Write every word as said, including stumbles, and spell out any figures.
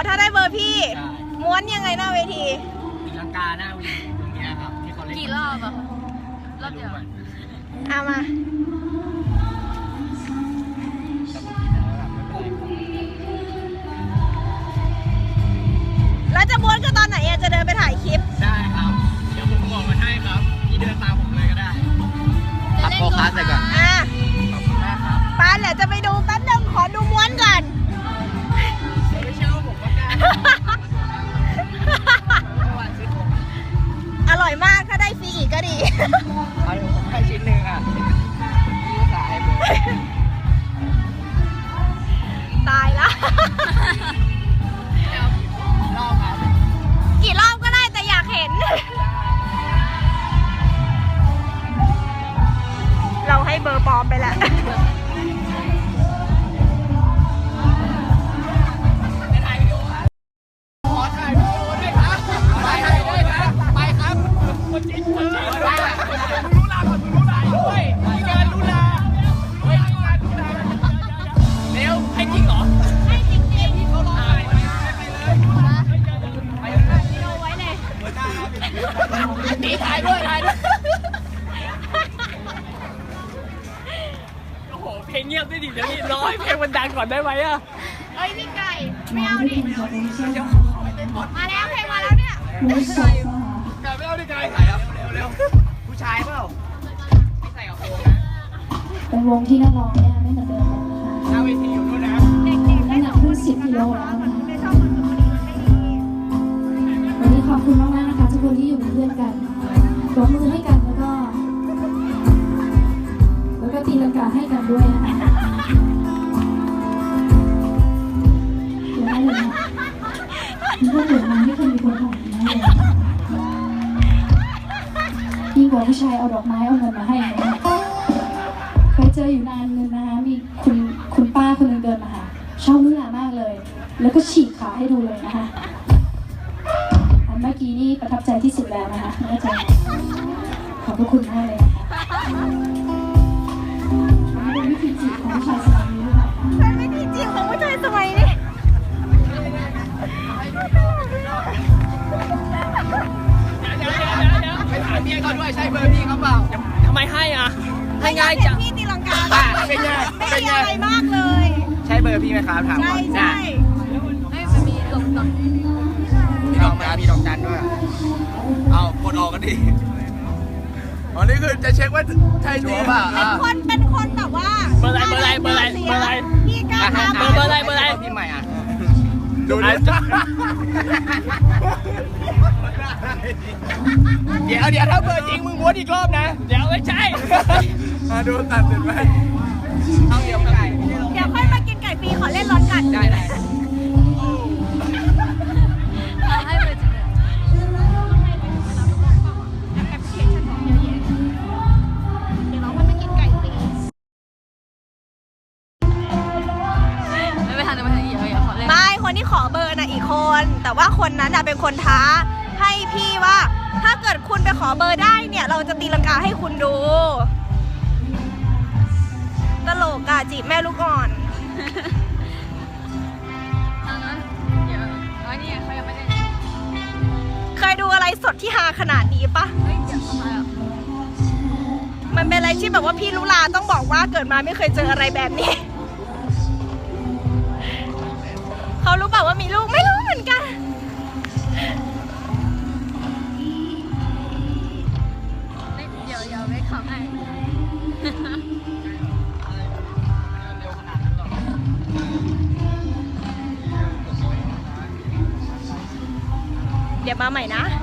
ถ้าได้เบอร์พี่ม้วนยังไงหน้าเวทีตีลังกาหน้าเวทีตรงนี้ครับที่เขาเล่นกี่รอบอะรอบเดียวเอามาแล้วจะม้วนกันตอนไหนอะจะเดินไปถ่ายคลิปได้ครับเดี๋ยวผมบอกมาให้ครับพี่เดินตามผมเลยก็ได้ขับโฟกัสเลยก่อนอ่ะขอบคุณมากครับป้าเดี๋ยวจะไปดูแป๊บนึงขอดูม้วนก่อนไม่ใช่ว่าผมว่าการอร่อยมากถ้าได้ฟรีอีกก็ดีเอาผมให้ชิ้นหนึ่งอ่ะพี่ก็สายเลยตายละรอบครับกี่รอบก็ได้แต่อยากเห็นเราให้เบอร์ปลอมไปแล้วนี่ถ่ายด้วยถ่ายด้วยโอ้โหเพลงเงียบได้ดิเดี๋ยวนี้รอให้เพลงมันดังก่อนได้ไหมอะเอ้ยพี่ไก่ไม่เอาดิมาแล้วเพลงมาแล้วเนี่ยไก่ไม่เอาดิไก่ถ่ายครับเร็วเร็วผู้ชายเปล่าไม่ใส่กับโค้งนะเป็นวงที่นักร้องเนี่ยไม่เหมือนเดิมนะคะหน้าเวทีอยู่นู่นนะน้ำหนักขึ้นสิบกิโลแล้วนะคะวันนี้ขอบคุณมากๆนะคะทุกคนที่อยู่เป็นเพื่อนกันปรบมือให้กันแล้วก็แล้วก็ตีลังกาให้กันด้วยนะคะเดี๋ยวได้เลยนะนี่ก็เหมือนมันที่เคยมีคนถ่ายนะยิ่งกว่าผู้ชายเอาดอกไม้เอาเงินมาให้นะเคยเจออยู่นานนึงนะคะมีคุณคุณป้าคนนึงเดินมาหาชอบนุ่นหลามากเลยแล้วก็ฉีกขาให้ดูเลยนะคะอันเมื่อกี้นี่ประทับใจที่สุดแล้วนะคะน่าจะขอบพระคุณมากเลยนะคะเป็นวิธีจีบของผู้ชายสมัยนี้หรือเปล่าเป็นวิธีจีบของผู้ชายสมัยนี้ไปถามพี่เขาด้วยใช่เบอร์พี่เขาเปล่าทำไมให้อ่ะให้ง่ายจังพี่ตีลังกาเป็นไงเป็นไงอะไรมากเลยใช่เบอร์พี่ไหมครับถามก่อนใช่ไม่มันมีหลบตอนมีดอกมามีดอกจันด้วยเอากดออกกันดิอ๋อนี่คือจะเช็คว่าใช่จริงป่ะเป็นคนเป็นคนแต่ว่าเบอร์อะไรเบอร์อะไรเบอร์อะไรเบอร์อะไรพี่กล้าเบอร์เบอร์อะไรเบอร์อะไรพี่ใหม่อ่ะดูนะเดี๋ยวเดี๋ยวถ้าเบอร์จริงมึงม้วนอีกรอบนะเดี๋ยวไม่ใช่มาดูตัดเสร็จไหมเอาเดี๋ยวไก่เดี๋ยวค่อยมากินไก่ฟรีขอเล่นรถกันได้ได้ให้ไปจริงไม่คนที่ขอเบอร์น่ะอีกคนแต่ว่าคนนั้นน่ะเป็นคนท้าให้พี่ว่าถ้าเกิดคุณไปขอเบอร์ได้เนี่ยเราจะตีลังกาให้คุณดูตลกอ่ะจีบแม่ลูกอ่อนตอนนั้นเดี๋ยวอ๋อนี่เขายังไม่ได้เคยดูอะไรสดที่ฮาขนาดนี้ปะเฮ้ยเดี๋ยวทำไมอ่ะมันเป็นอะไรที่แบบว่าพี่ลุลาต้องบอกว่าเกิดมาไม่เคยเจออะไรแบบนี้เขารู้เปล่าว่ามีลูกไม่รู้เหมือนกันเดี๋ยวเดี๋ยวไม่ขำให้เดี๋ยวมาใหม่นะ